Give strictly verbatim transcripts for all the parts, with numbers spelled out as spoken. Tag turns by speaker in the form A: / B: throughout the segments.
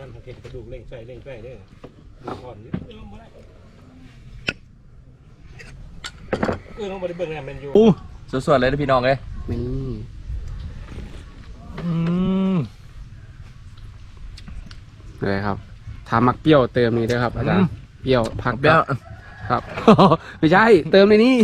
A: นั่นทางเข็นกระดูกเล่งใส่เล่งใส่ได้ดูก่อนนิดเดียวมาได้เออต้องไปเบิ่งงานแมนยู
B: อู้สดๆเลยนะพี่น้องเลย
C: นี่
B: อืม
C: เลยครับถามมักเปรี้ยวเติมนี้ด้วยครับอาจารย์เปรี้ยวผักเปรี้ยวครับไม่ใช่เติมในนี้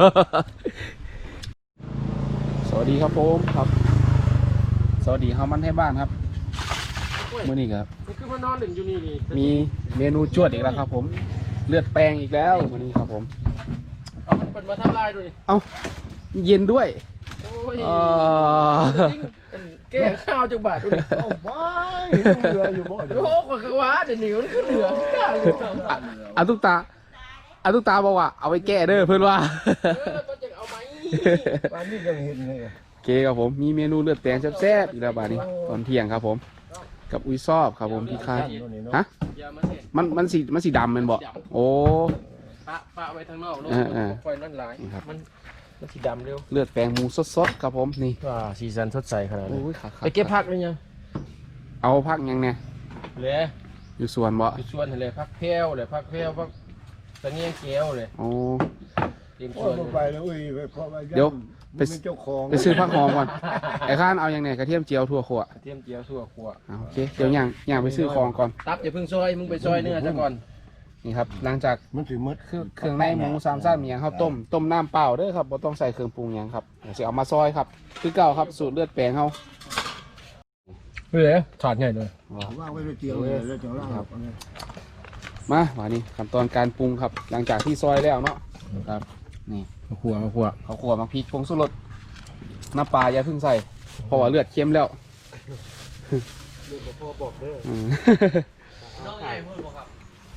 C: สวัสดีครับผมครับสวัสดีครับมันให้บ้านครับเมื่อนี้ครับ
A: คือมันนอนหนึ่งอยู่นี่นี่
C: มีเมนูจวดอีกแล้วครับผมเลือดแปลงอีกแล้ววันนี้ครับผม
A: เอาเป็นมาทำลายด้วย
C: เอาเย็นด้วย
A: โอ้ยแก้ข้าวจังบาทด้วยโอ้ไม่เหลืออยู่บ่โอ้ก็คือว่าเดี๋ยวนี้มันคือเหลือ
C: อาตุกตาอาตุกตาบอกว่าเอาไปแก้เด้อเพื่อนว่า
A: ก็จะเอาไหมบ้านนี้ยังเห็นเลย
C: โอเคครับผมมีเมนูเลือดแปลงแซ่บๆอีกแล้วบ้านนี้ตอนเที่ยงครับผมกับอุ้ยซอบครับผมพี่คายฮะมันมันสีมันสีดำมันบอกโอ้
A: ปะปะไว้ทางนอกไฟนั่นหลายมันมันสีดำเร็ว
C: เลือดแปลงหมูสดๆครับผมนี่
A: ว้าสีสันสดใสขนาดนี้ไปเก็บผักเลยยัง
C: เอาผักยังไง
A: เลย
C: อยู่สวนบ่
A: อยู่สวนเลยผักแพรวเลยผักแพรวผักตะเงียงเกี๊ยวเลย
C: โอ้
A: เตรียมสวน
D: ไปแล้วอุ้ย
C: เดี๋ยวไปไปซื้อผักหอมก่อนไอ้ข้านเอาอย่างไงกระเทียมเจียวทั่วขั่ว
A: กระเทียมเจียวทั่วขั่ว
C: โอเคเดี๋ยวย่างย่างไปซื้อของก่อน
A: ตับอย่าเพิ่งซอยมึงไปซอยเนื้อซะก่อน
C: นี่ครับหลังจาก
D: มันถือมัด
C: เครื่องในหมูสามชั้นมีอย่างข้าวต้มต้มน้ำเปล่าเด้อครับบ่ต้องใส่เครื่องปรุงอย่างครับเดี๋ยวจะเอามาซอยครับคือเก่าครับสูตรเลือดแปลงเขา
A: เฮ้ยถอดไงเลย
D: ว่างไว้เลยเจียวเลยแล้วจะล่างครับ
C: มาวันนี้ขั้นตอนการปรุงครับหลังจากที่ซอยแล้วเนาะครับนี่
A: ข้าวคั่วข้าวคั่ว
C: ข้าวคั่วมาพริกผงชูรสน้ำปลาอย่าเพิ่งใส่เพราะว่าเลือดเค็มแล้ว
A: เลือดพ่อบอกเด้อน้องใหญ่พูดบอกครับ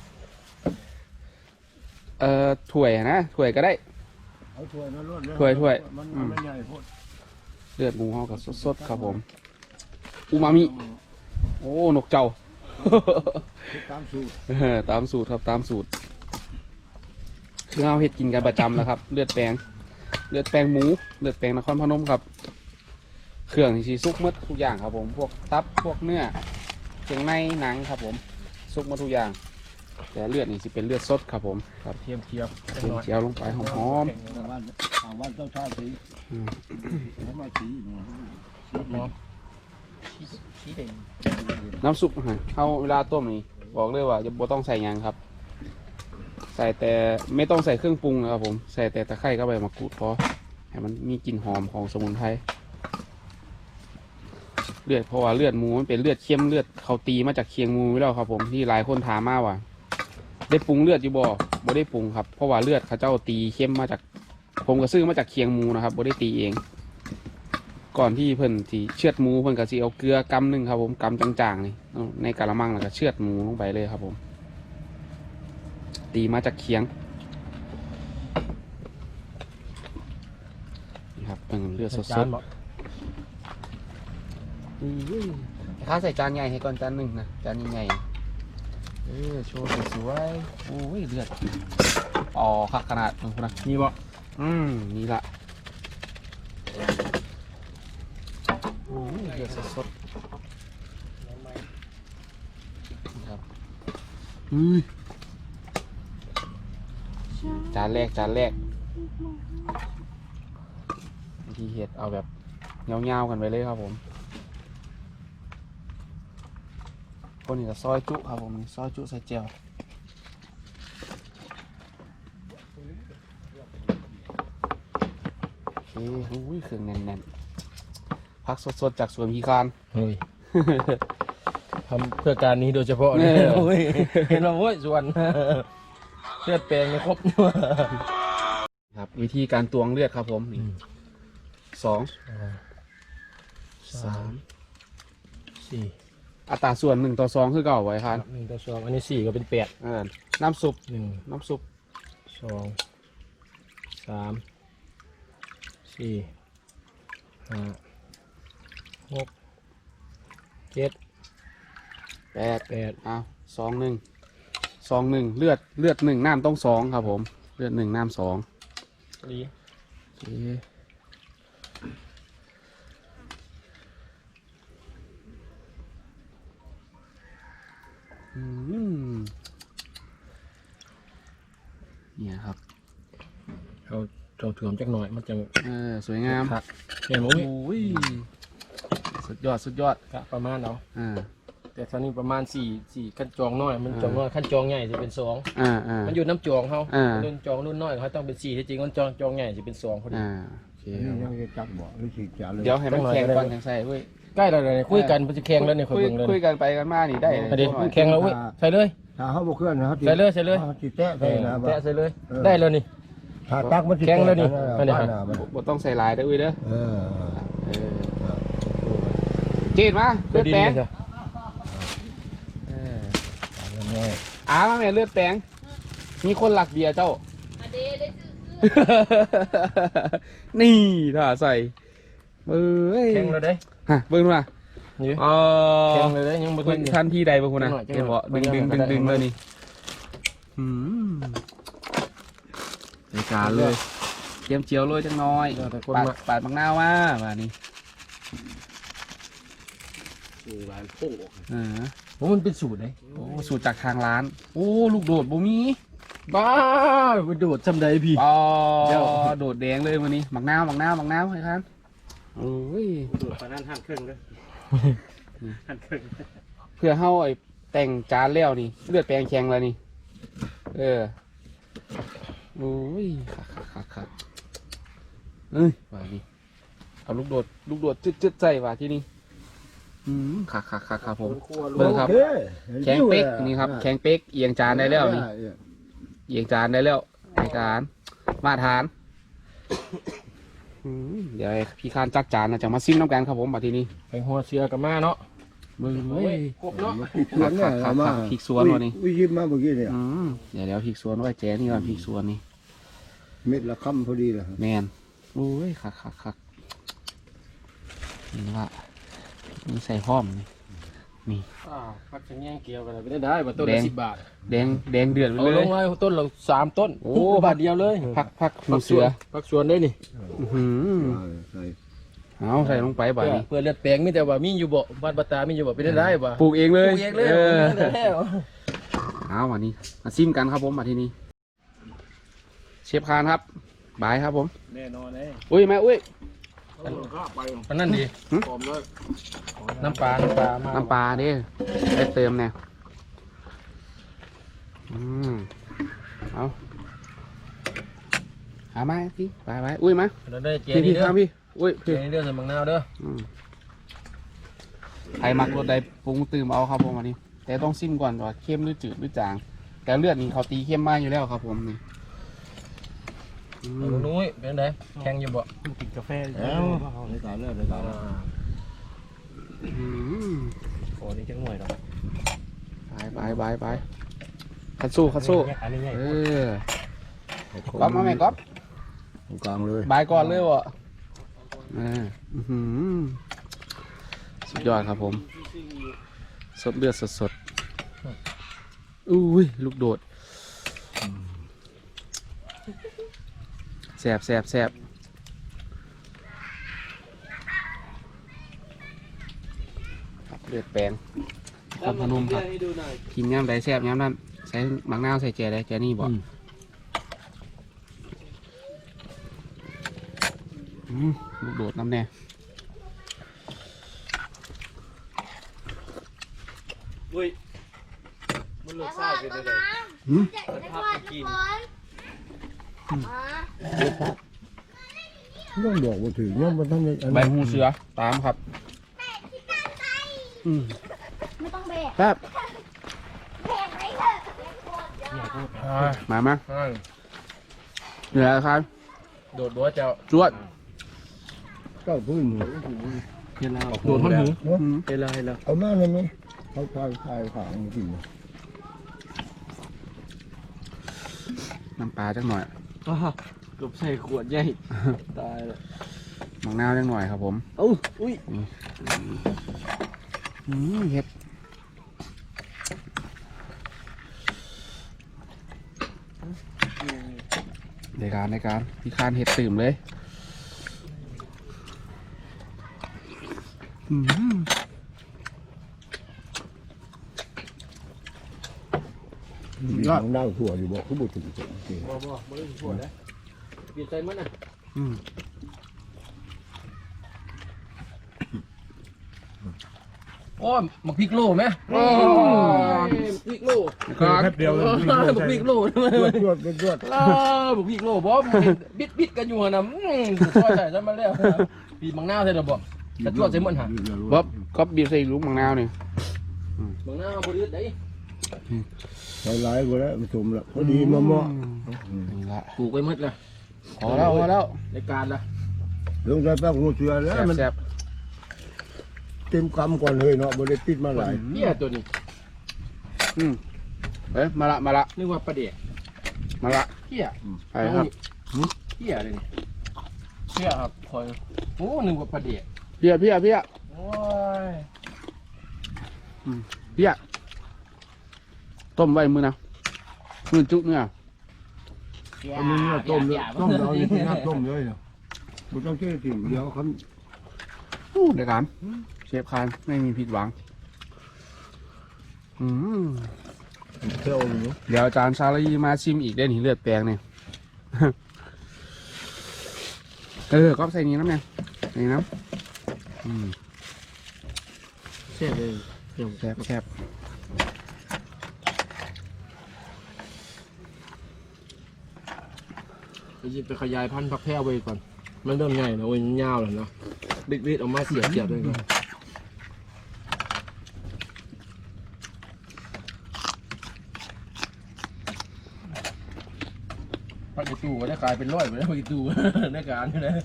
C: เอ่อถ้วยนะถ้วยก็ได้
D: เอาถ้วยนะรวดเลย
C: ถ้วยถ้วย
D: มันไม่ใหญ่พูด
C: เลือดหมูห่อกับสดๆครับผมอูมามิโอ้นกเจ้า
D: ตามสูตร
C: ตามสูตรครับตามสูตรคือเราเห็ดกินกันประจำแล้วครับเลือดแปลงเลือดแปลงหมูเลือดแปลงนครพนมครับเครื่องที่ซุกมัดทุกอย่างครับผมพวกตับพวกเนื้อเครื่องในหนังครับผมซุกมัดทุกอย่างแต่เลือดนี่จะเป็นเลือดสดครับผมครับ
A: เทียมเทียม
C: เทียมเทียมลงไปหอมหอม
D: บ้านเจ้าชาติสีน้ำมาสี
A: สีแดง
C: น้ำซุปเข้าเวลาต้มนี่บอกเลยว่าจะบ่ต้องใส่ยังครับใส่แต่ไม่ต้องใส่เครื่องปรุงนะครับผมใส่แต่ตะไคร้กับใบมะกรูดพอให้มันมีกลิ่นหอมของสมุนไพรเลือดเพราะว่าเลือดหมูมันเป็นเลือดเข้มเลือดเขาตีมาจากเคียงหมูไว้แล้วครับผมที่หลายคนถามมาว่าได้ปรุงเลือดอยู่บ่บ่ได้ปรุงครับเพราะว่าเลือดเขาเจ้าตีเข้มมาจากผมก็ซื้อมาจากเคียงหมูนะครับบ่ได้ตีเองก่อนที่เพิ่นที่เชือดหมูเพิ่นก็สิเอาเกลือกำหนึ่งครับผมกำจางๆนี่ในกะละมังแล้วก็เชือดหมูลงไปเลยครับผมตีมาจากเคียงนี่ครับเป็นเลือดสดๆข้าใส่จานใหญ่ให้ก่อนจานหนึ่งนะจานใหญ่เออโชว์สวยๆโอ้ยเลือดอ๋อขักขนาดนะคุณนะ
A: นี่บ่
C: อืมนี่ละโอ้ยเลือดสดๆครับอือจานแรกจานแรกที่เห็ดเอาแบบเงาๆกันไปเลยครับผมคนนี้ก็ซอยจุครับผมซอยจุใส่เจียวโอเคอุ้ยเครื่องแน่นๆพักสดๆจากสวนพีคาน
A: เฮ้ยทำเพื่อการนี้โดยเฉพาะเนี่ยเห็นเราโว้ยส่วนเลือดแปลงเนี่ยครบ
C: ครับวิธีการตวงเลือดครับผมนี่สองสาม
A: สี่
C: อัตราส่วนหนึ่งต่อสองคือเก่าไว้ครับ
A: หนึ่งต่อสองอันนี้สี่ก็เป็นแปด
C: น้ำซุป
A: หนึ่ง
C: น้ำซุป
A: สองสามสี่ห้าหกเจ็ด
C: แปด
A: แปด
C: อ้าวสองหนึ่งสองหนึ่งเลือดเลือดหนึ่งน้ำต้องสองครับผมเลือดหนึ่งน้ำสอง
A: ดี
C: โอเคอืมเนี่ยครับ
A: เอาเราถ่วมจักหน่อยมันจะ
C: เออสวยงาม
A: ครับเห็นไหม
C: โอ้ยสุดยอดสุดยอด
A: ก็ประมาณเอา
C: อ่า
A: แต่ตอนนี้ประมาณสี่สี่ขั้นจองน้อยมันจองน้อยขั้นจองใหญ่จะเป็นสอง
C: อ่าอ่า
A: มันอยู่น้ำจองเขา
C: อ่า
A: รุ่นจองรุ่นน้อยเขาต้องเป็นสี่ที่จริงมันจองจองใหญ่จะเป็นสองพอดี
C: อ่าโอเค
D: นี่ยังจะจับบ่หรือฉีดยาเลย
C: เดี๋ยวให้มันแข็งก่อนยังใส่เว้ย
A: ใกล้แล้วเลยคุยกันมันจะแข่งแล้วเนี่ยคอย
C: คุย
A: เบิ่งเลย
C: คุยกันไปกันมานี่ได้
A: ไปดิ
C: หน่อย
A: แข่งแล้วเว้ยใส่เลย
D: ถ้าเขาบ่เคลื่อนนะเขา
A: ใส่เลยใส่เลย
D: จิแตะใส่นะ
A: แตะใส่เลย ได้แล้วนี่
D: ถ้าตักมันสิ
A: แข็งแล้วนี่
D: ไม่ได้นะ
C: บ่ต้องใส่ลายได้อเว้ยเด้อ
D: เออ
C: เออเจนมาเลือดแปลง
A: จ้ะ
C: เอออามาแม่เลือดแปลงมีคนหลักเบียร์เจ้า
E: มาเดได้ซื้อ
C: นี่ถ้าใส่เอ้ย
A: แข่งแล้วได้
C: ฮะเบิ่งดูนะ
A: นี่
C: อ๋อ
A: แข่งเลยได้ยังบ่ทั
C: เบิ่
A: น
C: ง
A: อยู่
C: ทันทีใดเบิ่งคุณนะ
A: จังหวะจั
C: เห็น
A: งหวะ
C: บ่ดึงดึงดึงดึง
A: จังหวะ
C: เลยนี่อืมในการเลยเตรียมเจียวเลยจังน้อย
A: เดี๋ยวแต่คน
C: ปาด
A: มา
C: ปาดมังนาวมามานี่
A: หลายโป้
C: เออ
A: ผมมันเป็นสูตรเลย
C: โอ้สูตรจากทางร้าน โอ้ลูกโดดบ่มี
A: บ้าไปโดดจำได้พี่
C: อ๋อ
A: เดี๋ยว
C: โดดแดงเลยวันนี้มังนาวมังนาวมังนาวให้ครับโอ้ย
A: โดดไปนั่นห้ามเครื่องด้วยห้ามเครื่อง
C: เพื่อเฮาไอ้แต่งจานแล้วนี่เลือดแปลงแข็งแล้วนี่ เออโอ้ยคักคักคักคักเอ้ยว่านี่เอาลูกโดดลูกโดดจึ๊ดจึ๊ดใส่ว่าที่นี่อืมคักคักคักครับผม เบิ่งครับ
D: โอ
C: แข็งเป๊กนี่ครับแข็งเป๊กเอียงจานได้แล้วนี่เอียงจานได้แล้วในการมาตรฐานอืมเดี๋ยวให้พี่คานจัดจานนะจะมาซิมน้ำกันครับผมมาที่นี่
A: ไปหัวเสือกับมาเนาะ
C: มึง
A: เฮ้ยครบเนาะ
D: พริกสวนเนี่ยเอามา
C: พริกสวนวะนี่
D: อุ้ยยิ้มมาเมื่อกี้เนี่ย
C: อืมเดี๋ยวเดี๋ยวพริกสวนไว้แจ้นี่ก่อนพริกสวนนี่
D: เม็ดละคำพอดีเลย
C: แมนโอ้ยคักคักคักนี่ว่านี่ใส่พร้อมนี่นี่
A: อ้าวพักจะแย่งเกี่ยวกันเลยไม่ได้ได้มาต้น
C: แด
A: ละ
C: ง
A: สิบบาท
C: แดงแดงเดือดไป
A: เอา
C: เล
A: ล
C: ย
A: งไว้ต้นละสามต้น
C: โอ้
A: บาทเดียวเลย
C: พักพักหู
A: พักส
C: เสื
A: ว
C: อน
A: พักสวนได้นี่
C: อื้อหือ
D: ใส่
C: เอาใส่ลงไปบ่า
A: เพื่อ
C: นี้
A: เพื่อเลือดแปลงมีแต่ว่ามีอยู่บ่บ้านปตามีอยู่บ่เป็นได้ได้บ่
C: ปลูกเองเลย
A: ปลูกเองเลย
C: เออ
A: ปลูกเองเลย
C: เอาวันนี้มาซิมกันครับผมมาที่นี่เชฟคานครับบายครับผม
A: แน่นอนเลย
C: อุ้ยแม่อุ้ย
A: อันนั้นดี
C: หึ
A: หอมเลยน้ำปลาน้ำปลามา
C: น้ำปลาดิได้เติมเนี่ยอืมเอาหามาพี่ไปไปอุ้ยมา
A: เราได้เจ
C: พี่
A: นี่
C: พี่
A: เด้อ
C: ข้ามพี่อุ้ย
A: เจ
C: พี่
A: นี่เด้อใส่มังนาวเด้อ
C: อืมใครมักรสใดปรุงตื่มเอาครับผมวันนี้ แต่ต้องซิมก่อนว่าเข้มหรือจืดหรือจาง แต่เลือดนี่เขาตีเข้มมากอยู่แล้วครับผมนี่อืม
A: เอาลุงนุ้ยเป็นไงแข็งอยู่บ่
D: กินกาแฟแล้วในการเลิกในการ
C: อืม
A: โอ้นี่จังหน่วยเนาะ
C: ไปไปไปไปคัดสู้คัดสู้
A: อันนี้ไง
C: เออก๊อฟมาไหมก๊อฟ
D: กลางเลย
C: บายก่อนเลยวะอ่าอื้อหือสุดยอดครับผม สดเลือดสดสดๆอุ้ยลูกโดดแสบแสบแสบครับเลือดแปลงครับพนมครับกินย้ำใดแสบย้ำนั้นใส่หมักนาวใส่แจได้แจนี่บอกอืมลูกโดดน้ำแน่
A: อุ้ยมันรสชาติเป็นยังไง
C: หืม
E: จะได้ทอดทุกคนมา
D: ต้องบอกว่าถึงเนี่ยมันต้อง
C: ใบหูเสือตามครับอืม
E: ไม่ต้องแบก
C: แป๊บ
E: แบกไปเถอะ
C: มามา
A: อ่า
C: เหนือครับ
A: โดดบัวเจ้า
C: จวด
D: ก็พื้น
A: โดดท่อนหู
C: อืม
A: เป็นไรแล้ว
D: เอามาเลยไหมเขาทายทายขางจริง
C: น้ำปลาจักหน่อย
A: อ้าวกบใส่ขวดใหญ่ตายแล้ว
C: หมักนาวจักหน่อยครับผม
A: เอ้าอุ้ย
C: อืมเห็ดในการในการพี่คานเห็ดตื่มเลยอืมยอด
D: นั่งถั่วอยู่บอกเขาบอกถึงจริง
A: บ่บ่บ่ได้ปวดนะเปลี่ยนใจมันน่ะ
C: อืม
A: โอ้ยมักพริกโลไหมโอ้ยพริกโล
C: ก็
D: แค่เดียว
A: มักพริกโล
D: รวดรวดรวด
A: เออมักพริกโลบ่บิดบิดกันอยู่หั่นน่ะอื้อซอยใส่ซะมาแล้วปีบางนาวใส่ดอกบ่กระจวดใส่หมดหั่น
C: บ๊อบก็บีบใส่ลูกมังนาวนี่
A: บางนาวบ่ได้ได้
D: ใส่หลายกว่าแล้วมันสมแล้วพอดีมาเหมาะ
C: นี่ละ
A: ปลูกไว้หมดแล้ว
C: พอแล้วพอแล้ว
A: ในการละ
D: ลงใจแป้งหัวเสือแล้วมัน
C: แซ่บ
D: เต็มกำก่อนเลยเนาะบริติดมาหลาย
A: เหี้ยตัวนี้
C: ๆอืมเอ้ยมาละมาละ
A: นึกว่าปลาเดก
C: มาละ
A: เหี้ย
C: ไปครับ
A: เหี้ยเลยนี่เหี้ยครับคอยโอ้นึกว่าปลาเดก
C: เพี้ยเพี้ยเพี้ย
A: โอ้ย
C: เพี้ยต้มไว้มือนะมือจุเนี่ย
D: อันนี้เนี่ยต้มเลยต้มเอาอย่างนี้น้ำต้มเลยเนาะมันต้องเชื่อสิ่งเดียวเขา
C: อู้เดี๋ยวกันเชฟคานไม่มีผิดหวังอืม
D: เที่ยวอยู่
C: เดี๋ยวอาจารย์ชาลีมาชิมอีกได้หนิเลือดแปลงเนี่ย เออก็ใส่นี้น้ำเนี่ยใส่นี้น้ำอืม
A: เสียเลย
C: แซ่บแซ่บ
A: ไปยิบไปขยายพันธุ์ผักแพรวไว้ก่อนมันเริ่มใหญ่แล้วโอ้ยยาวแล้วเนาะบิดๆออกมาเสียบเสียบเลยก่อนพักอีตู้ก็ได้กลายเป็นร้อยไปแล้วพักอีตู้ ได้การอยู่นะ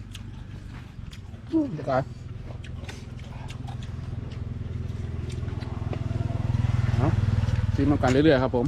C: เดี๋ยวก่อนเอาชิมมากันเรื่อยๆครับผม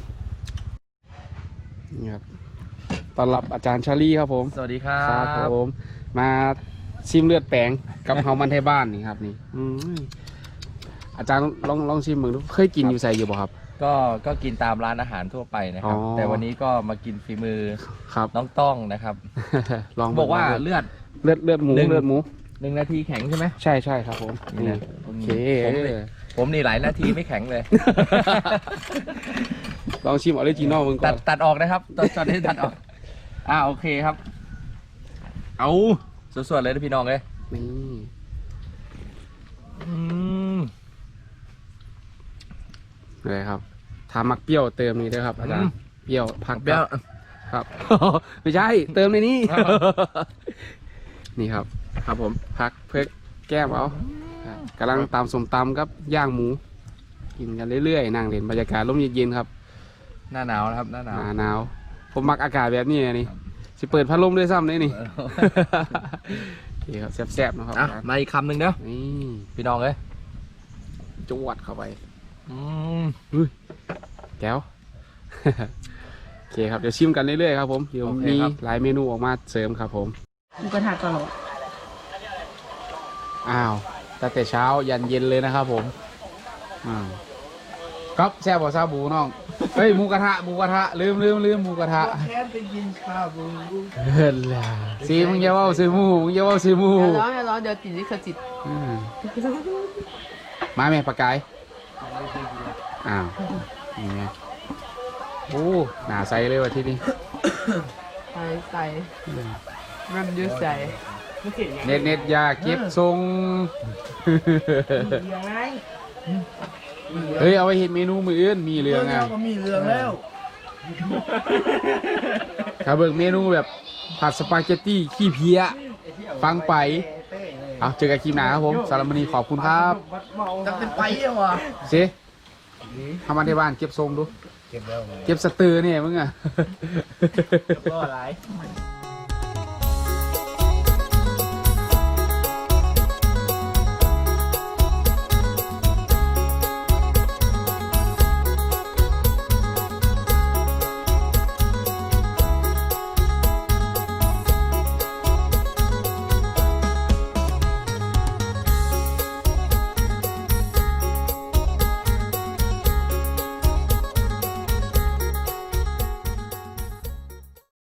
C: นี่ครับต้อนรับอาจารย์ชาลีครับผม
B: สวัสดีครั
C: ครับ บผมมาชิมเลือดแปลงกับเฮามันไทยบ้านนี่ครับนี่อืมอาจารย์ลองลองชิมมึงดูเคยกินอยู่ใส่อยู่บ่ครับ
B: ก็ก็กินตามร้านอาหารทั่วไปนะครับ
C: อ๋อ
B: แต่วันนี้ก็มากินฝีมือ
C: ครับ
B: น้องต้องนะครับ
C: ลอง
B: บอกว่าเลือด
C: เลือดเลือดหมู
B: หนึ่ง
C: เลือดหมู
B: หนึ่งนาทีแข็งใช่ไหม
C: ใช่ใช่ครับผม
B: นี่นะ
C: โอเค
B: ผมนี่ผมนี่หลายนาทีไม่แข็งเลย
C: ลองชิมออริจินอลมึงก่
B: ตั
C: อ
B: ด
C: น
B: ตัดออกนะครับตอนตอนนี้ตัดออกอ่าโอเคครับ เอาสวดๆเลยนะพี่น้องเลย
C: นี่
B: อืม
C: อะไรครับทามักเปรี้ยวเติมนี่ด้วยครับอาจารย์เปรี้ยวผัก
B: เปรี้ยว
C: ครับ ไม่ใช่เติมในนี้
B: ครับ
C: นี่ครับ ครับผมผักเพื่อแก้มเอากำลังตำสมตำครับย่างหมู กินกันเรื่อยๆนั่งเล่นบรรยากาศร่มเย็นๆครับ
B: หน้าหนาวนะครับหน้าหนาว
C: หนาหนาวผมมักอากาศแบบนี้นะนี่สิเปิดพัดลมด้วยซ้ำเลยนี่ โอเคครับแซ่บๆนะครับ
B: อ่ะมาอีกคำหนึ่งเด้อ
C: นี่
B: พี่น้องเลย
C: จวดเข้าไป
B: อืม
C: แก้ว โอเคครับเดี๋ยวชิมกันเรื่อยๆครับผมเดี๋ยวมีหลายเมนูออกมาเสริมครับผม
F: หมูกระทะก่อนเหรอ
C: อ้าวตั้งแต่เช้ายันเย็นเลยนะครับผมอ่าก๊อฟแซ่บกว่าซาบูน้องเฮ้ยหมูกระทะหมูกระทะลืมลืมลืมหมูกระทะ
A: แค่ไปกินข้าวบู
C: เฮ้ยล่ะซีมึงอย่าเว่าซื้อหมูมึงอย่าเว่าซื้อหมู
F: อย่าร้อนอย่าร้อนเดี๋ยวติดลิขสิทธิ์
C: อืมมาแม่ปากกายอ้าวนี่ไงโอ้หนาใสเลยว่ะที่นี่
F: ใส่ใส่มันอยืดใส่
C: เน็ตเน็ตอยาเก็บทรง
A: ยังไง
C: เฮ้ยเอาไปเห็นเมนูมืออื่นมีเรื่องอ่ะ
A: ก็มีเรื่องแล้ว
C: ครับเบิกเมนูแบบผัดสปาเกตตี้ขี้เพี้ยฟังไปเอาเจอกันคลิปหน้าครับผมสารบมณีขอบคุณครับ
A: จะเป็นไปยังวะ
C: เซ่ทำมาที่บ้านเก็บทรงดู
D: เก็บแล้ว
C: เก็บสตือเนี่ยมึงอ่ะ
A: ก็อะไร